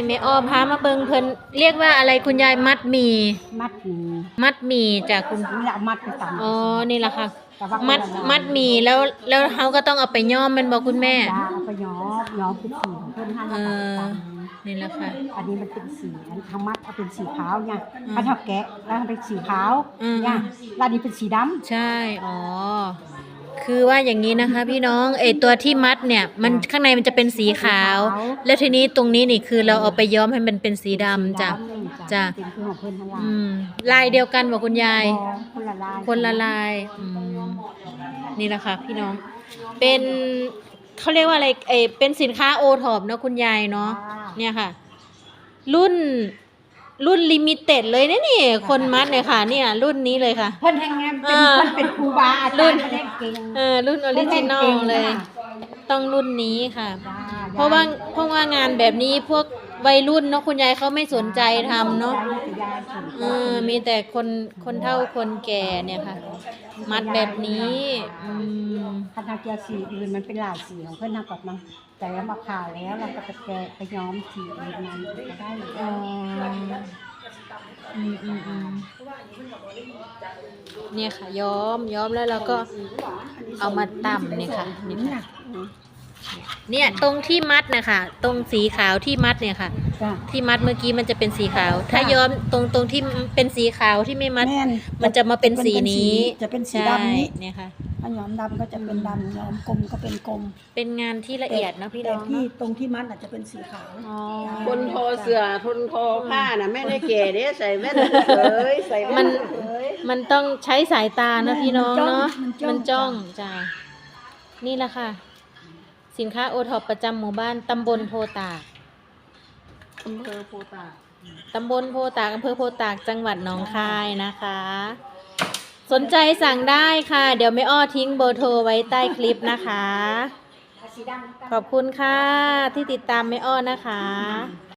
แม่อ้อพามาเบิ่งเพิ่นเรียกว่าอะไรคุณยายมัดหมี่มัดหมี่มัดหมี่จากคุณนี่แหละมัดไปตำอ๋อนี่แหละค่ะแต่ว่ามัดหมี่แล้วเขาก็ต้องเอาไปย้อมแมันบอกคุณแม่เอาไปย้อมเป็นสีของเพิ่นให้แล้วนี่แหละค่ะอันนี้มันเป็นสีอันทางมัดเอาเป็นสีขาวเนี่ยถ้าทับแกะแล้วเป็นสีขาวเนี่ยแล้วอันนี้เป็นสีดำใช่อ๋อคือว่าอย่างนี้นะคะพี่น้องตัวที่มัดเนี่ยมันข้างในมันจะเป็นสีขาวแล้วทีนี้ตรงนี้นี่คือเราเอาไปย้อมให้มันเป็นสีดำจ้ะเป็นคือของเพิ่นทั้งลายเดียวกันบอกคุณยายคนละลายนี่แหละค่ะพี่น้องเป็นเขาเรียกว่าอะไรเป็นสินค้าโอท็อปเนาะคุณยายเนาะเนี่ยค่ะรุ่นลิมิเต็ดเลยนะนี่คนมัดเนี่ยค่ะเนี่ยรุ่นนี้เลยค่ะเพิ่นแห่งงานเป็นครูบาอาจารย์เพิ่นเก่งรุ่นออริจินอลเลยต้องรุ่นนี้ค่ะเพราะว่างานแบบนี้พวกวัยรุ่นเนาะคุณยายเขาไม่สนใจทำเนาะมีแต่คนเฒ่าคนแก่เนี่ยค่ะมัดแบบนี้คณะเกียร์สีอื่นมันเป็นหลายสีของเพื่อนทำกับมันแต่ว่ามาขายแล้วเราก็แกะไปย้อมสีอื่นมันก็ได้เนี่ยค่ะย้อมแล้วเราก็เอามาตำเนี่ยค่ะเนี่ยตรงที่มัดนะคะตรงสีขาวที่มัดเนี่ยค่ะที่มัดเมื่อกี้มันจะเป็นสีขาวถ้าย้อมตรงที่เป็นสีขาวที่ไม่มัดมันจะมาเป็นสีนี้จะเป็นสีดำนี้เนี่ยค่ะถ้าย้อมดำก็จะเป็นดำย้อมกลมก็เป็นกลมเป็นงานที่ละเอียดนะพี่น้องที่ตรงที่มัดอาจจะเป็นสีขาวคนทอเสื้อคนทอผ้าน่ะแม่ได้เก๋เด้ใส่แว่นใส่มันต้องใช้สายตานะพี่น้องเนาะมันจ้องจ้านี่แหละค่ะสินค้าโอท็อปประจำหมู่บ้านตำบลโพตากอำเภอโพตากอำเภอโพตากจังหวัดหนองคายนะคะสนใจสั่งได้ค่ะเดี๋ยวแม่อ้อทิ้งเบอร์โทรไว้ใต้คลิปนะคะขอบคุณค่ะที่ติดตามแม่อ้อนะคะ